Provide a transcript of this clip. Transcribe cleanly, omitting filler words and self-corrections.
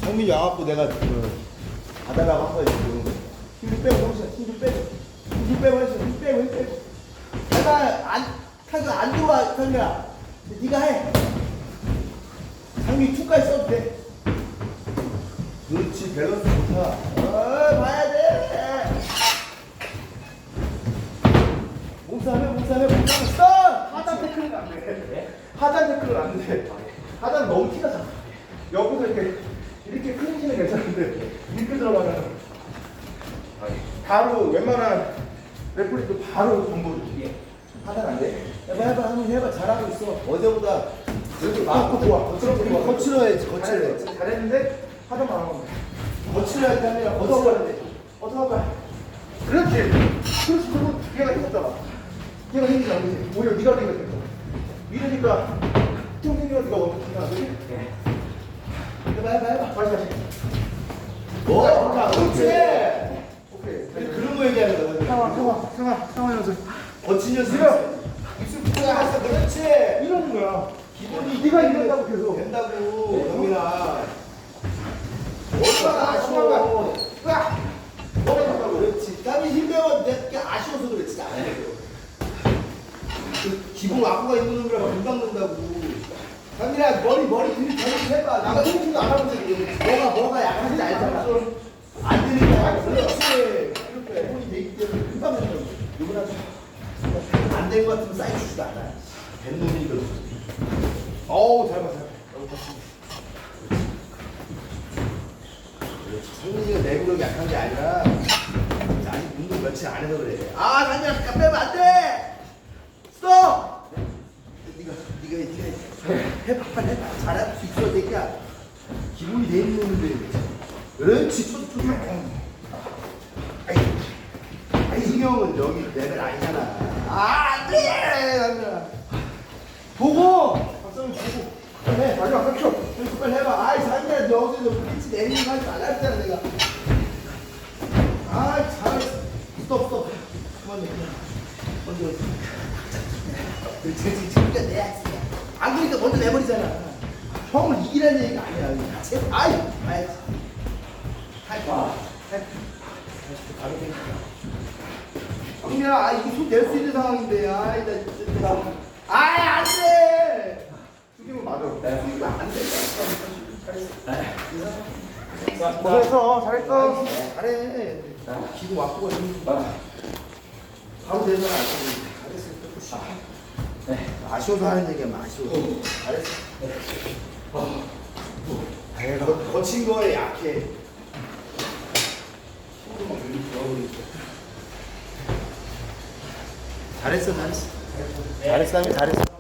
장민이 와갖고 내가 받아라고 한 거야 지금. 힘 빼고 형사 힘 빼고 힘 빼고 했어. 힘 빼고 내가 안 좋아 상민아. 네가 해. 장민이 투까지 써도 돼. 그렇지 밸런스 좋다. 봐야 돼. 몸싸움해 써. 하단 태클은 안 돼. 하단 태클은 안 돼. 하단 너무 티가 나. 여기서 이렇게 클린치는 괜찮은데 이렇게 들어가면 바로 웬만한 레플리도 바로 정보를 하단 안 돼. 해봐 한번 해봐. 잘하고 있어. 어제보다 여기 마음껏 좋아. 거칠어 해야지. 잘했는데 하단만 안 하면 돼. 거칠어 할 때 아니라 거칠어 해. 어떻게 할까? 그렇지. 그리고 얘가 힘었잖아. 얘가 힘이 안 되지. 오히려 네가 힘이 됐어. 이러니까 좀 생기가 네가 먼저 생각하 그지? 해봐. 다시. 그렇지. 오케이. 그런 거 얘기하는 거야. 상황 연습. 거친 연습. 입술 붙여놨어. 그렇지. 이러는 거야. 기본이 네가 이런다고 계속. 된다고. 영민아. 얼마나 아쉬워. 그렇지. 땀이 힘들어. 내가 아쉬워서 그렇지. 안 해. 기본 와꾸가 있는 놈이라 금방 는다고. 강민아 머리 들이 해봐. 나가 힘도 안 하고 있는데 뭐가 약한지 알잖아. 안 되니까 그렇지. 기본이 되기 때문에 금방 는다고. 누구나 안 된 것 같으면 쌓여주지도 않아. 된 놈이니까. 어우 잘 봐. 성민이가 내구력이 약한 게 아니라 아직 운동 며칠 안 해서 그래. 강민아 잠깐 빼면 안 돼. 스톱. 네가 해봐. 잘할 수 있어 새끼야. 기본이 돼 있는 놈인데. 그렇지. 초조. 이승형은 여기 레벨 아니잖아. 안 돼. 강민아. 보고. 박성민 보고. 해. 마지막 3초. 빨리 해봐. 강민아 여기서 pitch 내리는 거 하지 말라 했잖아 내가. 잘했어. 스톱. 그만 먼저. 그렇지. 진짜 내야. 안 그러니까 먼저 내버리잖아. 형을 이기라는 얘기가 아니야. 같이 해봐. 봐야지. 바로 생각해. 형님아, 이거 손 낼 수 있는 상황인데. 안 돼! 죽이면 맞아. 죽이면 안 돼. 고생했어. 잘했어. 잘해. 기분 와꾸가 좀. 바로 되잖아. 잘했어. 아쉬워서 하는 얘기야, 아쉬워. 잘했어. 거친 거에 약해. 잘했어. 잘했어. 잘했어.